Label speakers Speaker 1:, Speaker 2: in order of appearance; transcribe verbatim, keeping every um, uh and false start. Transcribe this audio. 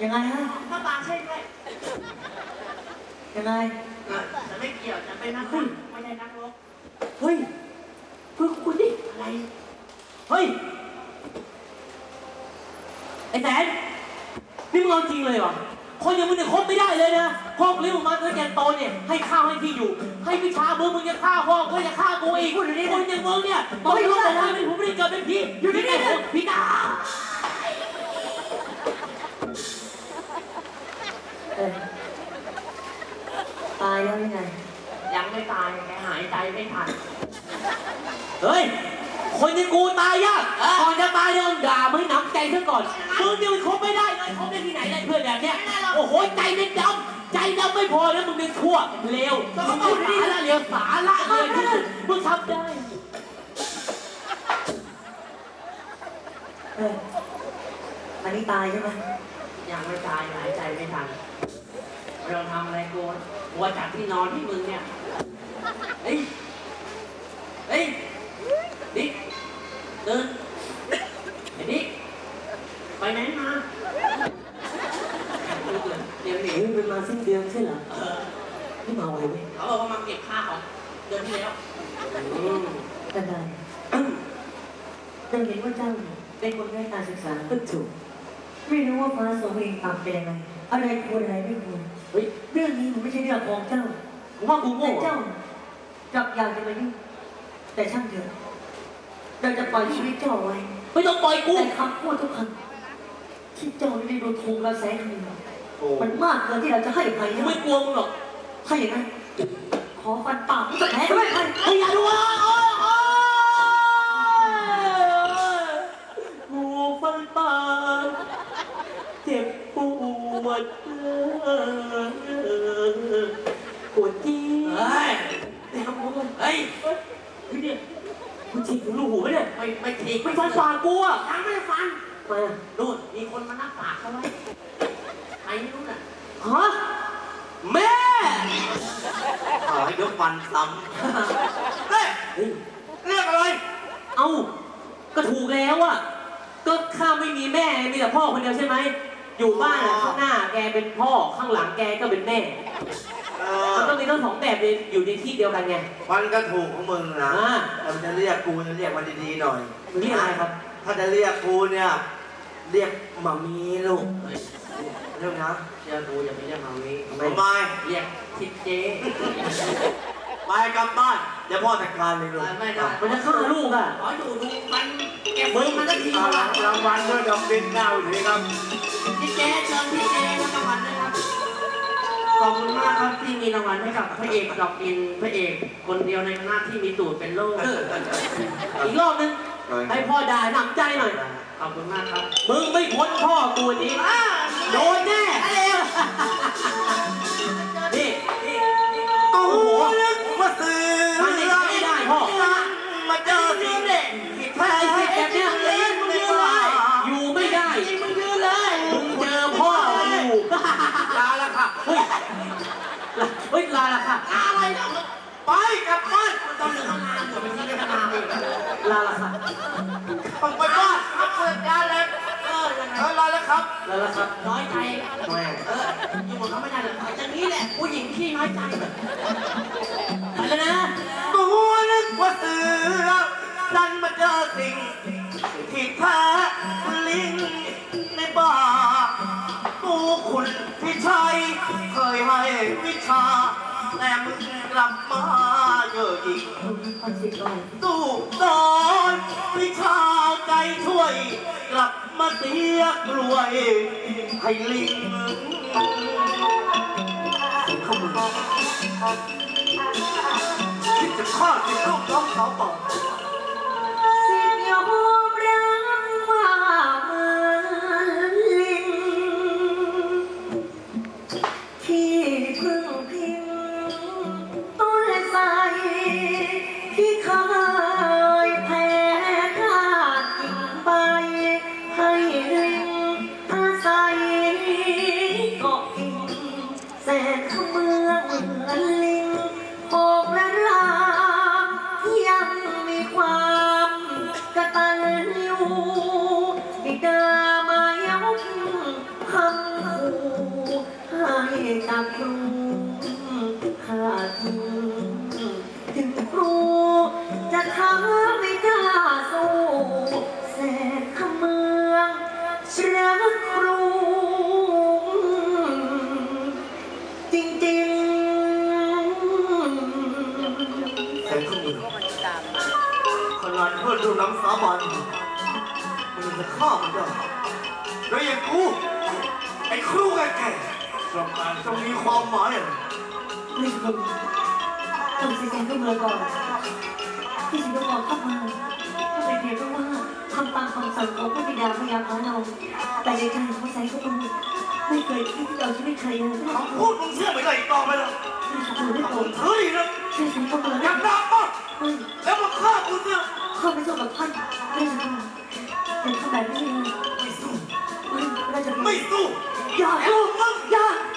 Speaker 1: ยังไงฮะ
Speaker 2: ถ้าตาใช่ไหม
Speaker 1: ยังไง
Speaker 2: จะไม่เกี่ยวจะเป็นนักรบไม่ใช่นักรบ
Speaker 1: เฮ้ยเพื่อนคุณดิ
Speaker 2: อะไร
Speaker 1: เฮ้ยไอ้แสนนี่มึงเอาจริงเลยเหรอคนอย่างมึงเนี่ยคบไม่ได้เลยนะพ่อเลี้ยงมาตั้งแต่โตเนี่ยให้ข้าวให้ที่อยู่ให้วิชามึงมึงจะฆ่าพ่อก็จะฆ่ากูอีกคนอย่างมึงเนี่ยต้องรู้แต่ว่าผมไม่ได้เกิดเป็นพี่อยู่ที่นี่พี่ตาตายแล้วยังไง
Speaker 2: ยังไม่ตายแกหายใจไม่ทัน
Speaker 1: เฮ้ยคนอย่างกูตายยากก่อนจะตายเนี่ยด่ามึงให้หนำใจซะก่อนมึงเนี่ยมันคบไม่ได้เลยคบได้ที่ไหนได้เพื่อนแบบเนี้ยโอ้โหใจเป็นดำใจดำไม่พอแล้วมึงเป็นชั่วเลวมึงพูดสาละเลวสาละเลยมึงทำได้เฮ้ยอันนี้ตายใช่ไหม
Speaker 2: ยังไม่ตายหายใจไม่ทันเราทำอะไรกูวัวจากที่นอนที่มึงเนี่ยเฮ้ยเฮ้ยดิเดินไอ้ดิไปไหนมาเดี๋ยวหนี
Speaker 1: เป็นมาสิ้นเดือนใช่เหรอเออไม่มาไวไหม
Speaker 2: เขาบอกว่ามาเก็บค่าของเดือนที่แล้ว
Speaker 1: อืมได้ได้เจ้าเห็นว่าเจ้าเป็นคนไร้การศึกษาก็ถูกไม่รู้ว่าฟ้าสวงเองต่ำเป็นยังไงอะไรควรอะไรไม่ควรเฮ้ยเรื่องนี้มันไม่ใช่เรื่องของเจ้าผมว่ากูโง่เจ้าจับอยากจะมายุ่งแต่ช่างเถอะเราจะปล่อยชีวิตเจ้าไว้ไม่ต้องปล่อยกูแต่คำพูดทุกคำที่เจ้าไม่ได้โดนทวงกระแสคืนมันมากเกินที่เราจะให้ใครไม่กลัวมึงหรอกถ้าอย่างนั้นขอฟันปากมึงจะแพ้ด้วยไอ้ยาดูอ่ะกูฟันปากเจ็บปวดปวดจี้เฮ้ยแต่ทำกูเฮ้ยพี่เนี่ยมึงฉีกถึงรูหูไหมเนี่ย
Speaker 2: ไม่ไม่ฉีก
Speaker 1: ไม่ฟันปากกูอ่ะ
Speaker 2: ยังไม่ฟัน
Speaker 1: มา
Speaker 2: ดูมีคนมานับปากเขาไว้ใครไม่รู้น่ะ
Speaker 1: ฮะแม่
Speaker 2: ขอให้ยกฟันซ้ำเฮ้ยเรียกอะไร
Speaker 1: เอ้าก็ถูกแล้วอ่ะก็ข้าไม่มีแม่มีแต่พ่อคนเดียวใช่ไหมอยู่บ้านข้างหน้าแกเป็นพ่อข้างหลังแกก็เป็นแม่มันต้องมีทั้งสองแบบอยู่ในที่เดียวกันไง
Speaker 3: มันก็ถูกของมึงนะมันจะเรียกกูจะเรียกมันดีๆหน่อย
Speaker 1: เรียกอะไรครับ
Speaker 3: ถ้าจะเรียกกูเนี่ยเรียกหมามีลูกเรื่องนะ
Speaker 2: เรียกกูอย่าไปเรียกหมามี
Speaker 3: ทำไม
Speaker 2: เรียกทิดเจ๊
Speaker 3: ไปกลับบ้านเดี๋ยวพ่อจัดการเลยลูก
Speaker 2: ไม่ได้
Speaker 1: มันจะฆ่าลูกอ่ะ
Speaker 2: ขออยู่ดูมันเก็บมือมันจะที
Speaker 3: รางวัลด้วยดอกดินเน่าทีครับ
Speaker 2: ทิดเจ๊เชิญทิดเจ๊รับรางวัลนะครับขอบคุณมากครับที่มีรางวัลให้กับพระเอกดอกดินพระเอกคนเดียวในคณะที่มีตูดเป็นโล่
Speaker 1: อีกรอบนึงให้พ่อด่าหนำใจหน่อย
Speaker 2: ขอบคุณมากครับ
Speaker 1: มึงไม่พ้นพ่อตัวนี้โดนแน่นี่
Speaker 3: กูนึกว่าซื้อ
Speaker 1: มันไม่ได้พ่อ
Speaker 3: มาเจอที่เด็ก
Speaker 1: ถ้าไอ้สิแบบเนี้ยอยู่ไม่ได้
Speaker 2: มึงยืนเลย
Speaker 1: มึงเจอพ่ออยู่
Speaker 3: ลาละค่ะ
Speaker 1: เฮ้ยเฮ้ยลาละค่ะ
Speaker 2: อะไรเนาะ
Speaker 3: ไปกลับบ้าน
Speaker 2: ตอนหนึ่งทำงานอยู่เป็นที่ทำงานอยู่
Speaker 1: ลาละค่ะ
Speaker 3: ต้องไปบ้าน
Speaker 2: มาเปิดงานเลยเออยังไง
Speaker 3: ลาละครับ
Speaker 1: ลาละครับ
Speaker 2: น้อยใจแม่เอออยู่หมดเขาไม่ได้เลยอย่างนี้แหละผู้หญิงขี้น้อยใจ
Speaker 1: ไปแล้วนะ
Speaker 3: กูนึกว่าเสือดันมาเจอสิ่งที่แท้ลิงในบ่ากูคุณพี่ชัยเคยให้วิชาแต่มึงกลับมาเยอะอีกตู้สอนวิชาใจช่วยกลับมาเสียกรวยให้ลิงคิดจะฆ่าสิลูกน้องเขาต่อ
Speaker 1: สิยอมรับว่าเหมือนลิงที่พึ่งพิงต้นไทรที่เคยแพ้ธาตุกิ่งใบให้ลิงอาศัยเกาะกิ่งแสนขมือเหมือนลิงโผล่ละลายังมีความ
Speaker 3: เพื่อดูน้ำสาบานมันจะฆ่ามันได้แล้วอย่างกูไอ้ครูแก่ๆต้องการจะมีความหมายอะไร
Speaker 1: ไม่คุณต้องเสียใจก็เมื่อก่อนที่ฉันต้องบอกเข้ามาก็เป็นเพียงแค่ว่าทำตามคำสั่งของพระบิดาพยาพาเราแต่ในใจของใจก็มันไม่เคยคิดที่จะเอาชีวิตใครเลยไม่
Speaker 3: คำพูดมึงเชื่อไม่ได้อีกต่อไปแล้ว
Speaker 1: ไม่ขอโทษด้วย
Speaker 3: ผ
Speaker 1: ผม ม
Speaker 3: เฮ้ยนะ
Speaker 1: ใช่ฉันก็เมื่อ
Speaker 3: อยากด่าปะ
Speaker 1: ไม่
Speaker 3: แล้วมาฆ่ากูเนี่ย
Speaker 1: เข้าไปสู้กับท่านไม่ใช่ท่านเป็นทำแบบนี้เลย
Speaker 3: ไม่สู้
Speaker 1: ไม่น่าจะ
Speaker 3: ไม่สู้
Speaker 1: อย่าสู้อย่า